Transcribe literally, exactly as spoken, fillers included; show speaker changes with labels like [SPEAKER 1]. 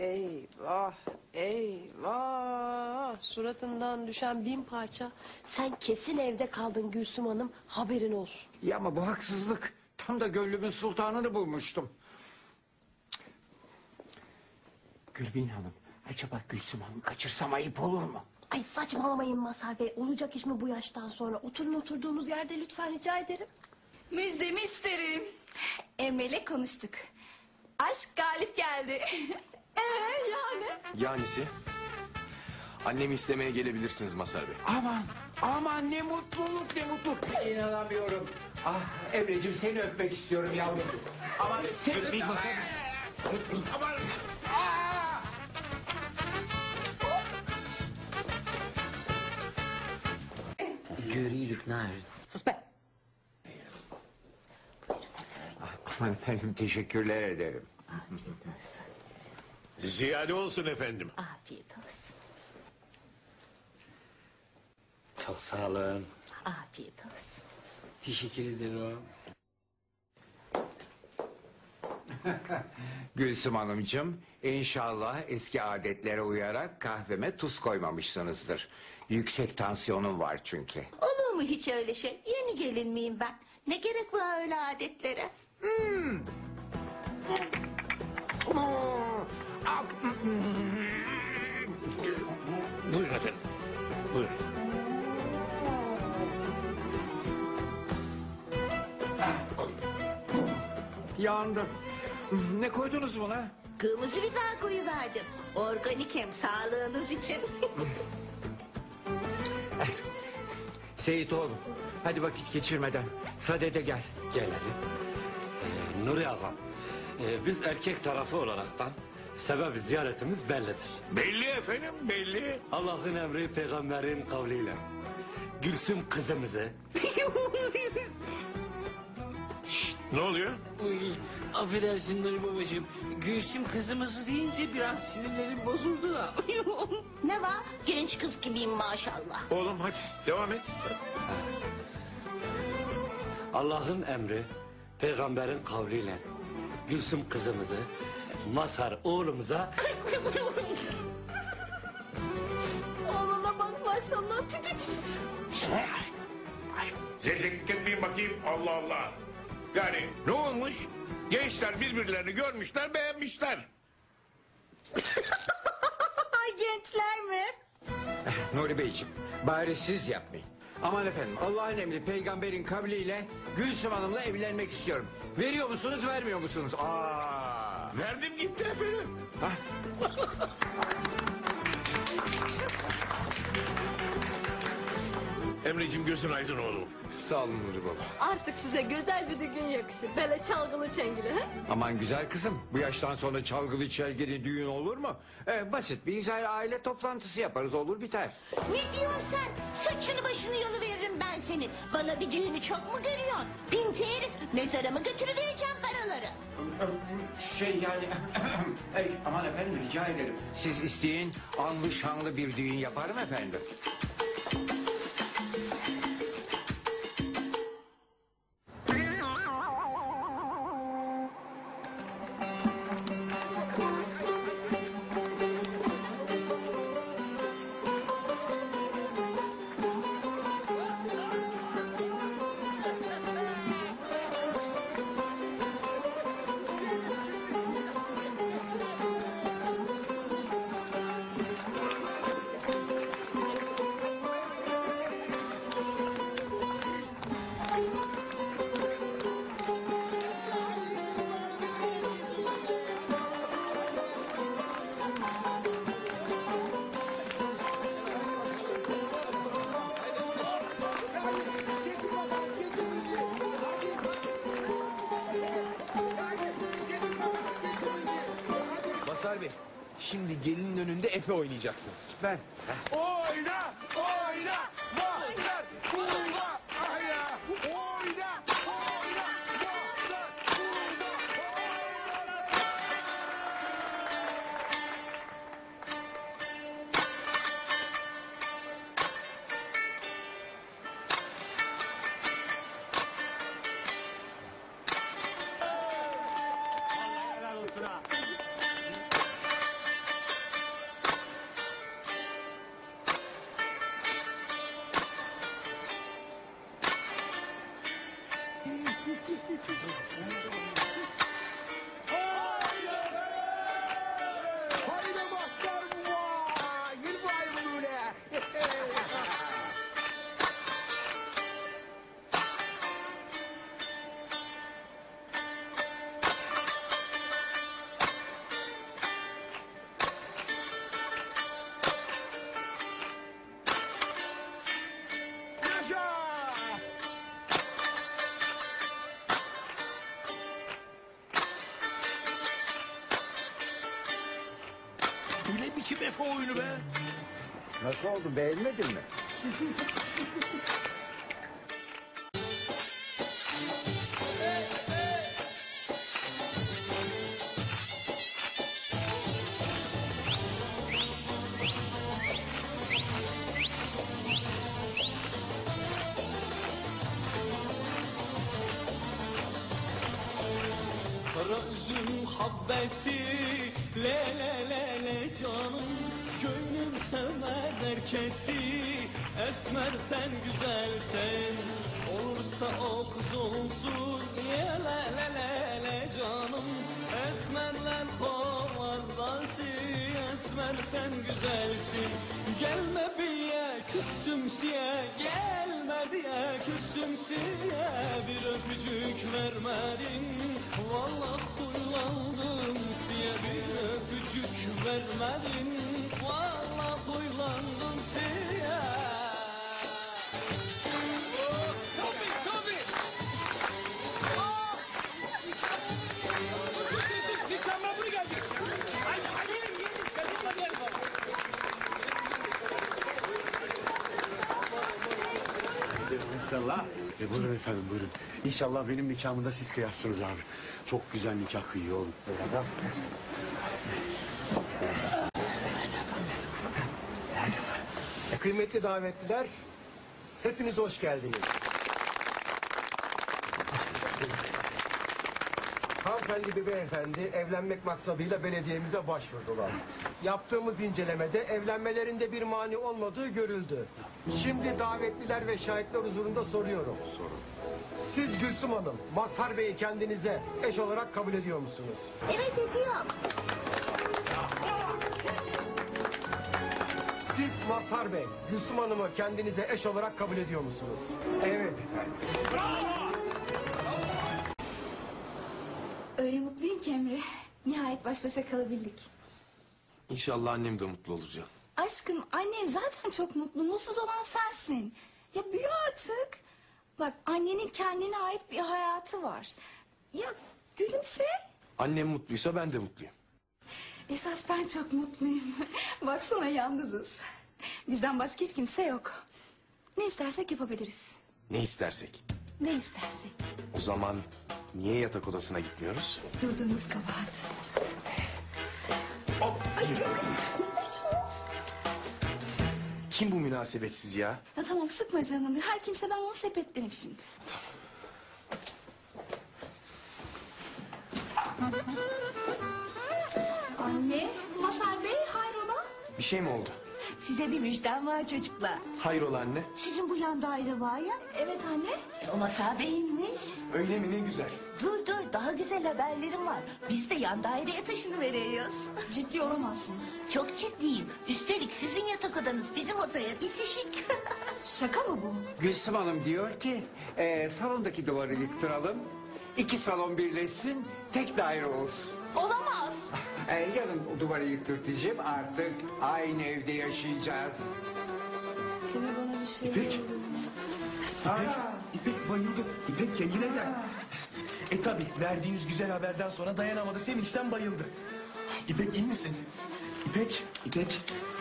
[SPEAKER 1] Eyvah, eyvah. Suratından düşen bin parça. Sen kesin evde kaldın Gülsüm Hanım, haberin olsun.
[SPEAKER 2] Ya ama bu haksızlık. Tam da gönlümün sultanını bulmuştum. Gülbin Hanım, acaba Gülsüm Hanım kaçırsam ayıp olur mu?
[SPEAKER 1] Ay saçmalamayın Mazhar Bey. Olacak iş mi bu yaştan sonra? Oturun oturduğunuz yerde lütfen, rica ederim.
[SPEAKER 3] Müjdemi isterim. Emre'yle konuştuk. Aşk galip geldi. Ee yani?
[SPEAKER 4] Yanisi? Annemi istemeye gelebilirsiniz Mazhar Bey.
[SPEAKER 2] Aman, aman ne mutluluk, ne mutluluk. İnanamıyorum. Ah Emreciğim, seni öpmek istiyorum yavrum. Aman seni öpmek... Aman... Aa!
[SPEAKER 5] Görüyoruz Narin.
[SPEAKER 1] Sus be.
[SPEAKER 2] Aman efendim, teşekkürler ederim.
[SPEAKER 5] Afiyet olsun.
[SPEAKER 6] Ziyade olsun efendim.
[SPEAKER 5] Afiyet olsun.
[SPEAKER 7] Çok sağ olun.
[SPEAKER 5] Afiyet olsun.
[SPEAKER 7] Teşekkür ederim.
[SPEAKER 2] Gülsüm Hanımcığım, inşallah eski adetlere uyarak kahveme tuz koymamışsınızdır. Yüksek tansiyonum var çünkü.
[SPEAKER 5] Olur mu hiç öyle şey? Yeni gelin miyim ben? Ne gerek var öyle adetlere?
[SPEAKER 2] Hmm.
[SPEAKER 6] Buyurun efendim. Buyurun.
[SPEAKER 2] Yandım. Ne koydunuz buna?
[SPEAKER 5] Kırmızı biber koyuverdim. Organik hem sağlığınız için.
[SPEAKER 2] Seyit oğlum, hadi vakit geçirmeden sadede gel.
[SPEAKER 7] Gelelim. Ee, Nuri Ağam, e, biz erkek tarafı olaraktan sebebi ziyaretimiz bellidir.
[SPEAKER 6] Belli efendim, belli.
[SPEAKER 7] Allah'ın emri peygamberin kavliyle Gülsüm kızımızı...
[SPEAKER 6] Şşt, ne oluyor?
[SPEAKER 5] Uy, affedersin Nuri babacığım. Gülsüm kızımızı deyince biraz sinirlerim bozuldu da. Ne var? Genç kız gibiyim maşallah.
[SPEAKER 6] Oğlum hadi devam et.
[SPEAKER 7] Allah'ın emri peygamberin kavliyle Gülsüm kızımızı Mazhar oğlumuza...
[SPEAKER 3] Oğluna bak maşallah.
[SPEAKER 6] Zevzeklik etmeyin bakayım, Allah Allah. Yani ne olmuş? Gençler birbirlerini görmüşler, beğenmişler.
[SPEAKER 3] Gençler mi?
[SPEAKER 2] Nuri Beyciğim, bari siz yapmayın. Aman efendim, Allah'ın emri peygamberin kavliyle Gülsüm Hanım'la evlenmek istiyorum. Veriyor musunuz, vermiyor musunuz? Aa!
[SPEAKER 6] Verdim gitti efendim.
[SPEAKER 2] Hah.
[SPEAKER 6] Emreciğim gözün aydın oğlum.
[SPEAKER 4] Sağ olun Nuri Baba.
[SPEAKER 3] Artık size güzel bir düğün yakışır. Böyle çalgılı çengili. He?
[SPEAKER 2] Aman güzel kızım, bu yaştan sonra çalgılı çelgili düğün olur mu? Ee, basit bir güzel aile toplantısı yaparız, olur biter.
[SPEAKER 5] Ne diyorsun sen? Saçını başını yolu veririm ben senin. Bana bir düğünü çok mu görüyorsun? Pinti herif, mezara mı götürüvereceğim paraları?
[SPEAKER 2] Şey yani... Ey, aman efendim rica ederim. Siz isteyin, anlı şanlı bir düğün yaparım efendim.
[SPEAKER 4] Mazhar Bey, şimdi gelinin önünde Efe oynayacaksınız.
[SPEAKER 2] Ben.
[SPEAKER 6] Oyna, oyna, Mazhar, Tuğba, Aya. Oyna, oyna, Mazhar, Tuğba,
[SPEAKER 4] Bu ne biçim Efe oyunu be?
[SPEAKER 2] Nasıl oldu, beğenmedin mi?
[SPEAKER 8] Kara üzüm habbesi le le le le canım, gönlüm sevmez herkesi. Esmer sen güzelsen, olursa o kız olsun. Ye le le le le canım, esmerler kovardası. Esmer sen güzelsin, gelme biye küstüm siye. Gelme biye küstüm siye, bir öpücük vermedin. Vallahi huylandım siye, bir öpücük vermedin. Vallahi huylandım siye. Topi, Topi! Mükemmel bunu geldi. Hadi, hadi, hadi, hadi, hadi.
[SPEAKER 9] İnşallah. E buyurun efendim buyurun. İnşallah benim nikahımı da siz kıyarsınız abi. Çok güzel nikah kıyıyor oğlum.
[SPEAKER 10] Kıymetli davetliler, hepiniz hoş geldiniz. Hanımefendi ve beyefendi evlenmek maksadıyla belediyemize başvurdular. Yaptığımız incelemede evlenmelerinde bir mani olmadığı görüldü. Şimdi davetliler ve şahitler huzurunda soruyorum. Sorun. Siz Gülsüm Hanım, Mazhar Bey'i kendinize eş olarak kabul ediyor musunuz?
[SPEAKER 5] Evet ediyorum.
[SPEAKER 10] Siz Mazhar Bey, Gülsüm Hanım'ı kendinize eş olarak kabul ediyor musunuz?
[SPEAKER 2] Evet efendim.
[SPEAKER 3] Öyle mutluyum ki Emre. Nihayet baş başa kalabildik.
[SPEAKER 4] İnşallah annem de mutlu olur Can.
[SPEAKER 3] Aşkım annen zaten çok mutlu. Mutsuz olan sensin. Ya büyü artık. Bak annenin kendine ait bir hayatı var. Ya gülümse.
[SPEAKER 4] Annem mutluysa ben de mutluyum.
[SPEAKER 3] Esas ben çok mutluyum. Baksana yalnızız. Bizden başka hiç kimse yok. Ne istersek yapabiliriz.
[SPEAKER 4] Ne istersek.
[SPEAKER 3] Ne istersek.
[SPEAKER 4] O zaman niye yatak odasına gitmiyoruz?
[SPEAKER 3] Durduğumuz kabahat. Ay canım. Konuşma.
[SPEAKER 4] Kim bu münasebetsiz ya?
[SPEAKER 3] Ya tamam sıkma canını. Her kimse ben onu sepetlerim şimdi. Anne, Mazhar Bey hayrola?
[SPEAKER 4] Bir şey mi oldu?
[SPEAKER 5] Size bir müjdem var çocuklar.
[SPEAKER 4] Hayrola anne?
[SPEAKER 5] Sizin bu yan daire var ya,
[SPEAKER 3] Evet anne.
[SPEAKER 5] e, o Mazhar Bey'inmiş.
[SPEAKER 4] Öyle mi, ne güzel.
[SPEAKER 5] Dur dur, daha güzel haberlerim var. Biz de yan daireye taşınıveriyoruz.
[SPEAKER 3] Ciddi olamazsınız.
[SPEAKER 5] Çok ciddiyim. Üstelik sizin yatak odanız bizim odaya bitişik.
[SPEAKER 3] Şaka mı bu?
[SPEAKER 2] Gülsüm Hanım diyor ki e, salondaki duvarı yıktıralım. İki salon birleşsin, tek daire olsun.
[SPEAKER 3] Olamaz.
[SPEAKER 2] E, yarın o duvarı yıktırtacağım, artık aynı evde yaşayacağız.
[SPEAKER 3] Emre bana bir şey
[SPEAKER 4] İpek.
[SPEAKER 3] oldu.
[SPEAKER 4] İpek, İpek bayıldı. İpek kendine gel. E tabi verdiğiniz güzel haberden sonra dayanamadı, sevinçten bayıldı. İpek iyi misin? İpek, İpek.